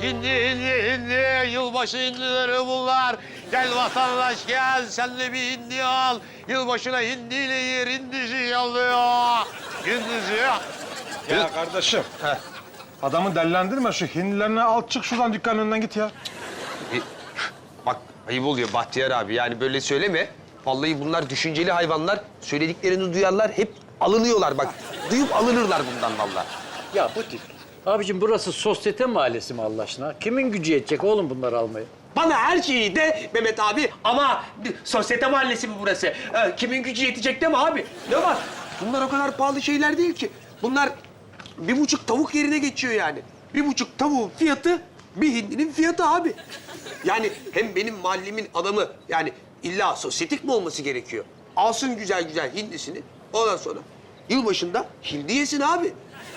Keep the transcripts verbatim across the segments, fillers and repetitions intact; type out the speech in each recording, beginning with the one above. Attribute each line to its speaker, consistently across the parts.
Speaker 1: Hindi, hindi, hindi. Yılbaşı hindileri bunlar. Gel vatandaş gel, sen de bir hindi al. Yılbaşına hindiyle yer, hindisi yalıyor. Hindisi.
Speaker 2: Ya kardeşim. Heh. Adamı dellendirme, şu hindilerini al, çık şuradan dükkanın önünden git ya.
Speaker 1: E, bak ayıp oluyor Bahtiyar abi. Yani böyle söyleme. Vallahi bunlar düşünceli hayvanlar. Söylediklerini duyarlar, hep alınıyorlar bak. Duyup alınırlar bundan vallahi.
Speaker 3: Ya bu tip. Abicim burası sosyete mahallesi mi Allah aşkına? Kimin gücü yetecek oğlum bunları almaya?
Speaker 1: Bana her şeyi de Mehmet abi ama bir sosyete mahallesi mi burası? Ee, kimin gücü yetecek değil mi abi? Ne var? Bunlar o kadar pahalı şeyler değil ki. Bunlar bir buçuk tavuk yerine geçiyor yani. Bir buçuk tavuğun fiyatı bir hindinin fiyatı abi. Yani hem benim mahallemin adamı yani illa sosyetik mi olması gerekiyor? Alsın güzel güzel hindisini ondan sonra yılbaşında hindi yesin abi.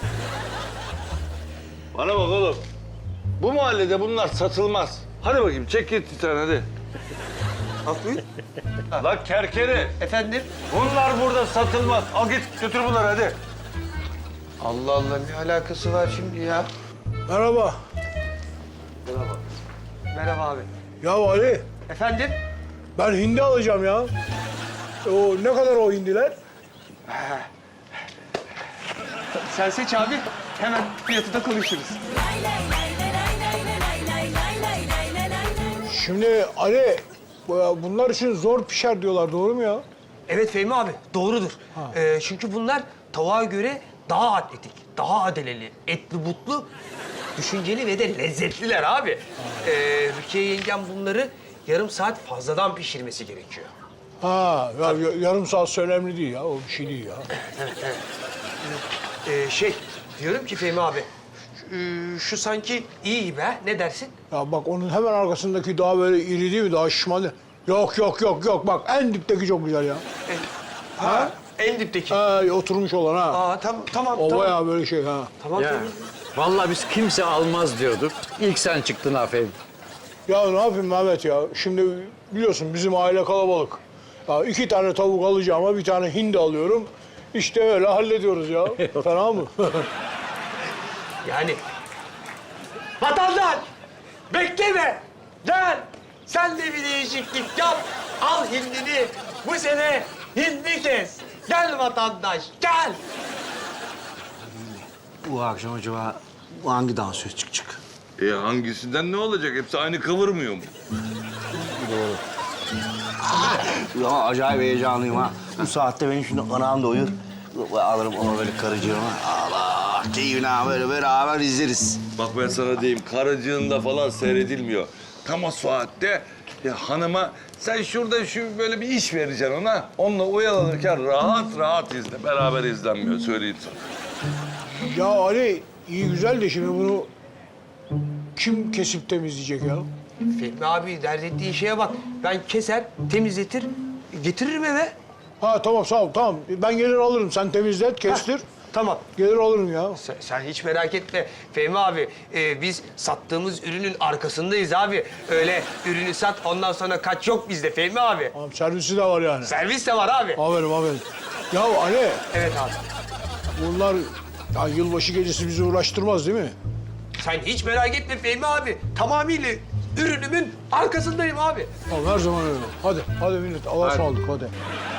Speaker 4: Bana bak oğlum. Bu mahallede bunlar satılmaz. Hadi bakayım çek git bir tane hadi.
Speaker 1: Buyur.
Speaker 4: Lan kerkeri.
Speaker 1: Efendim?
Speaker 4: Bunlar burada satılmaz. Al git götür bunları hadi.
Speaker 1: Allah Allah ne alakası var şimdi ya?
Speaker 5: Merhaba.
Speaker 1: Merhaba abi.
Speaker 5: Ya Ali,
Speaker 1: Efendim?
Speaker 5: ben hindi alacağım ya. O ne kadar o hindiler?
Speaker 1: Sen seç abi. Hemen fiyatı da konuşuruz.
Speaker 5: Şimdi Ali, bu- bunlar için zor pişer diyorlar, doğru mu ya?
Speaker 1: Evet Fehmi abi, doğrudur. Ee, çünkü bunlar tavuğa göre daha atletik, daha adeleli, etli butlu, düşünceli ve de lezzetliler abi. Ee, Rukiye yengem bunları yarım saat fazladan pişirmesi gerekiyor.
Speaker 5: Ha, ya, ya- yarım saat önemli değil ya, o bir şey değil ya.
Speaker 1: Ee, şey, diyorum ki Fehmi abi, şu, e, şu sanki iyi be, ne dersin?
Speaker 5: Ya bak onun hemen arkasındaki daha böyle iri değil mi, daha şişman. Yok yok yok yok, bak en dipteki çok güzel ya.
Speaker 1: Ha? En dipteki.
Speaker 5: Ha, oturmuş olan ha.
Speaker 1: Aa, tam, tamam,
Speaker 5: O
Speaker 1: tamam.
Speaker 5: bayağı böyle şey ha.
Speaker 1: Tamam,
Speaker 3: Ya
Speaker 1: Fehmi.
Speaker 3: vallahi biz kimse almaz diyorduk. İlk sen çıktın aferin.
Speaker 5: Ya ne yapayım Mehmet ya? Şimdi biliyorsun bizim aile kalabalık. Ya iki tane tavuk alacağıma bir tane hindi alıyorum. İşte öyle hallediyoruz ya. Fena mı?
Speaker 1: Yani vatandaş bekleme. Gel. Sen de bir değişiklik yap. Al hindini. Bu sene hindi kes. Gel vatandaş gel.
Speaker 6: Bu akşam acaba hangi dansöz çıkacak?
Speaker 4: E hangisinden ne olacak? Hepsi aynı kıvırmıyor mu?
Speaker 6: Ya acayip heyecanlıyım ha. Bu saatte benim şimdi anam da uyur. Alırım onu böyle karıcığıma. Allah keyfine böyle beraber izleriz.
Speaker 4: Bak ben sana diyeyim, karıcığında falan seyredilmiyor. Tam o saatte ya hanıma sen şurada şu böyle bir iş vereceksin ona. Onunla oyalanırken rahat rahat izle. Beraber izlenmiyor, söyleyeyim sana.
Speaker 5: Ya Ali iyi güzel de şimdi bunu kim kesip temizleyecek ya?
Speaker 1: Fehmi abi dert ettiği şeye bak. Ben keser, temizletir, getiririm eve.
Speaker 5: Ha tamam sağ ol tamam. Ben gelir alırım. Sen temizlet, kestir.
Speaker 1: Tamam.
Speaker 5: Gelir alırım ya.
Speaker 1: Sen, sen hiç merak etme Fehmi abi. Ee, biz sattığımız ürünün arkasındayız abi. Öyle ürünü sat ondan sonra kaç yok bizde Fehmi abi.
Speaker 5: Tamam servisi de var yani.
Speaker 1: Servis de var abi.
Speaker 5: Aferin aferin. Ya Ali
Speaker 1: Evet abi.
Speaker 5: bunlar ya yılbaşı gecesi bizi uğraştırmaz değil mi?
Speaker 1: Sen hiç merak etme Fehmi abi. Tamamıyla ürünümün arkasındayım abi.
Speaker 5: Tamam her zaman öyle. Hadi hadi millet Allah'a ısmarladık hadi.